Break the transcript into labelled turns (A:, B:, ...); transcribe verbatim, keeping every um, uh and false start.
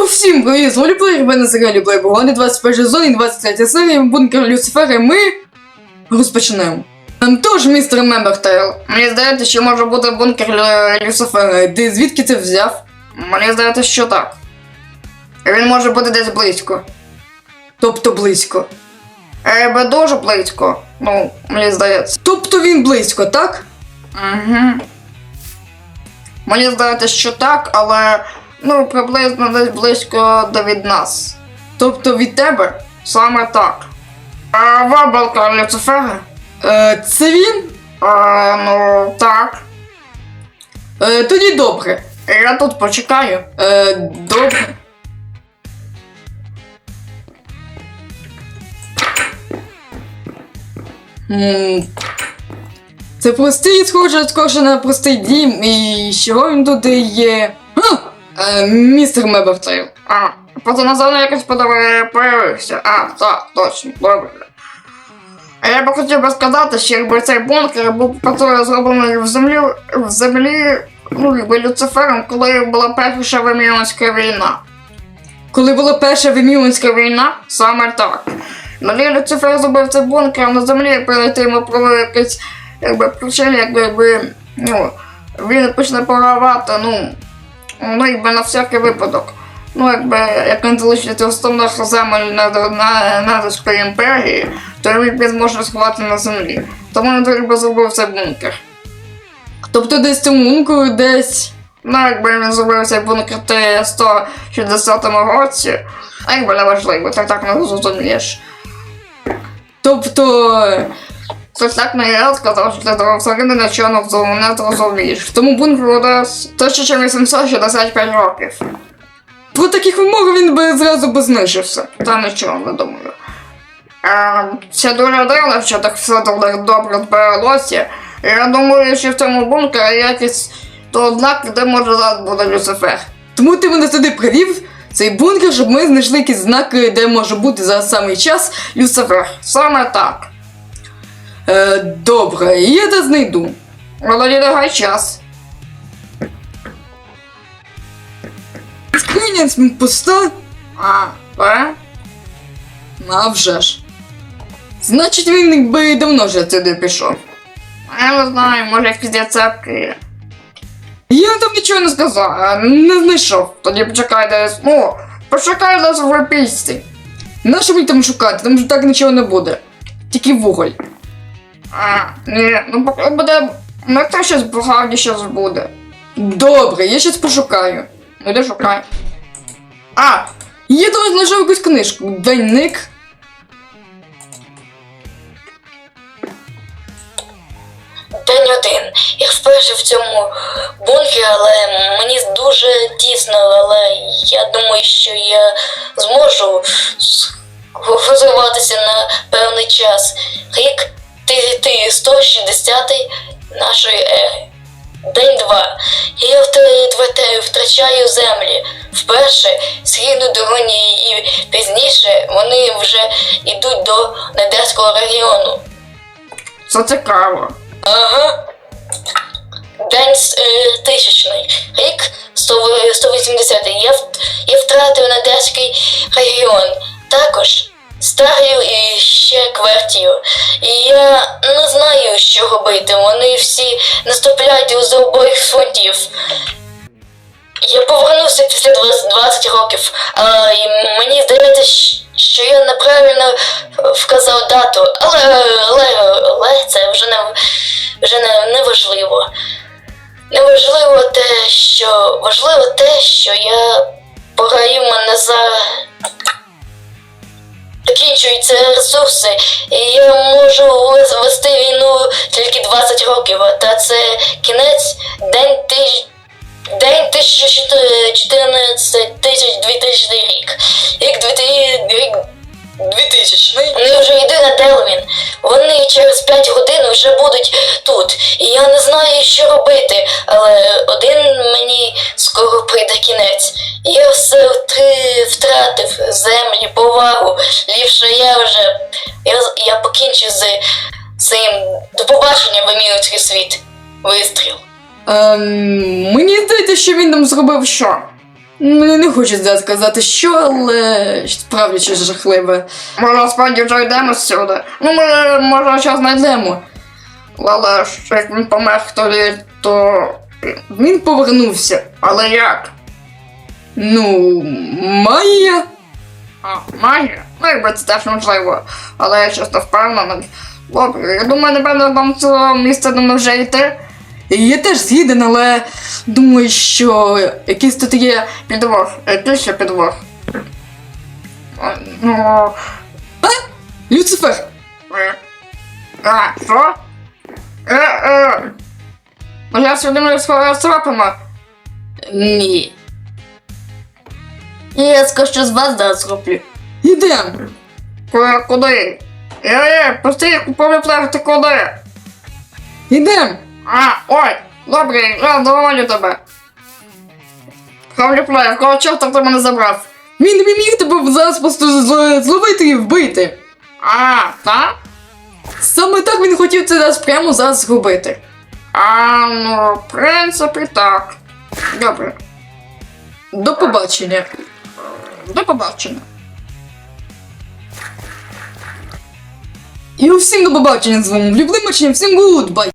A: всім привіт, з Воліплеєр, мене Зерелі Плейбогони, двадцять перша сезон і двадцять третя серія, бункер Люцифера, і ми розпочнемо. Тож, містер Мембертейл, мені здається, що може бути бункер Лю... Люцифера. Ти звідки це взяв? Мені здається, що так. Він може бути десь близько. Тобто близько? Ебе дуже близько, ну, мені здається. Тобто він близько, так? Угу. Мені здається, що так, але, ну, приблизно десь близько до від нас. Тобто від тебе? Саме так. А вабалка Люцифера? Е, це він? Е, ну, так. Е, тоді добре. Я тут почекаю. Е, добре. Ммм... Це простий, схоже, схоже на простий дім, і чого він тут є? А, е, містер Мебертейл. А, просто назавжди якось появився. А, так, точно, добре. Я би хотів би сказати, що якби цей бункер був зроблений в землі, в землі, ну, якби Люцифером, коли була перша Виміонська війна. Коли була перша Виміонська війна? Саме так. Далі Люцифер зробив цей бункер, а на землі перед тим йому провели якийсь, якби, причини, якби, якби, ну, він почне програвати, ну, ну, якби на всякий випадок. Ну, якби, як він залишиться основних земель Незерської імперії, то він зможе сховати на землі. Тому він якби зробив цей бункер. Тобто десь цьому бункеру десь, ну, якби він зробив цей бункер в сто шістдесятому році, а якби не важливо, ти так не зрозумієш. Тобто, хтось так не я сказав, що ти взагалі нічого не зрозумієш. Тому бункеру десь тисяча вісімсот шістдесят п'ять років. Про таких вимог він би зразу б знищився. Та нічого, не думаю. А, це дуже дивно, що так все так добре зберелося. Я думаю, що в цьому бункері якісь то ознаки, де може зараз буде Люцифер. Тому ти мене сюди привів, цей бункер, щоб ми знайшли якісь знаки, де може бути за самий час Люцифер. Саме так. Е, добре, я те знайду. Але не гай час. Скриня пуста? А, е? А вже ж. Значить, він би давно вже сюди пішов. Я не знаю, може якісь рецепти є. Я там нічого не сказав, не знайшов. Тоді почекай десь, ну, почекай десь в пісці. Нащо мені там шукати? Там же так нічого не буде. Тільки вуголь. А, ні, ну поки буде, ну це щось багато щось буде. Добре, я щось пошукаю. Ну де шукай. А, я там знайшов якусь книжку. Двойник.
B: День один. Я вперше в цьому бункері, але мені дуже тісно, але я думаю, що я зможу сховатися на певний час. Рік сто шістдесятий нашої ери. День два. Я втрачаю землі. Вперше східну дороні і пізніше вони вже йдуть до Недерського регіону.
A: Це цікаво.
B: Ага. День е, тисячний. Рік сто вісімдесятий. Я, я втратив Недерський регіон. Також Старію і ще Квертію. І я не знаю, що робити. Вони всі наступляють з обох фронтів. Я повернувся після двадцяти років, а мені здається, що я неправильно вказав дату, але, але, але це вже не, вже не, не важливо. Не важливо те, що важливо те, що я пограю мене за... Закінчуються ресурси, і я можу вести війну тільки двадцять років, та це кінець, день тиждень. День тисяча чотирнадцять тисяч двотисячний рік. Рік двотисячний. Вони вже йдуть на Делвін. Вони через п'ять годин вже будуть тут. І я не знаю, що робити, але один мені скоро прийде кінець. Я все втратив землі, повагу. Ліпше я вже, я, я покінчу з цим. До побачення, Виміонський світ. Вистріл.
A: Ем, мені здається, що він там зробив що? Мені не хочеться сказати що, але справді щось жахливе. Може, справді вже йдемо сюди. Ну, може, може, що знайдемо. Але ж як він помер тоді, то він повернувся. Але як? Ну, магія. А, магія? Ну, якби це теж можливо. Але я чесно впевнений. Добре, я думаю, напевно, нам цього місця не вже йти. Я теж згіден, але думаю, що якийсь тут є підвох. Який ще підвох? А, Ну... А? Люцифер! Е. А, що? Е, е. Ну я сюди не схопимо. Ні. Я скажу, що з вас зараз зроблю. Ідем. Куди? Куди? Е-е, постій, купові плехти куди? Ідем. А, ой, добре, я доволю тебе. Хавлю плеєр, кого чорта ти мене забрав? Він не міг тебе зараз просто зл- зловити і вбити. А, так? Саме так він хотів це зараз прямо зараз зробити. А, ну, в принципі, так. Добре. До побачення. До побачення. І всім до побачення з вами. Любимочі, всім гудбай.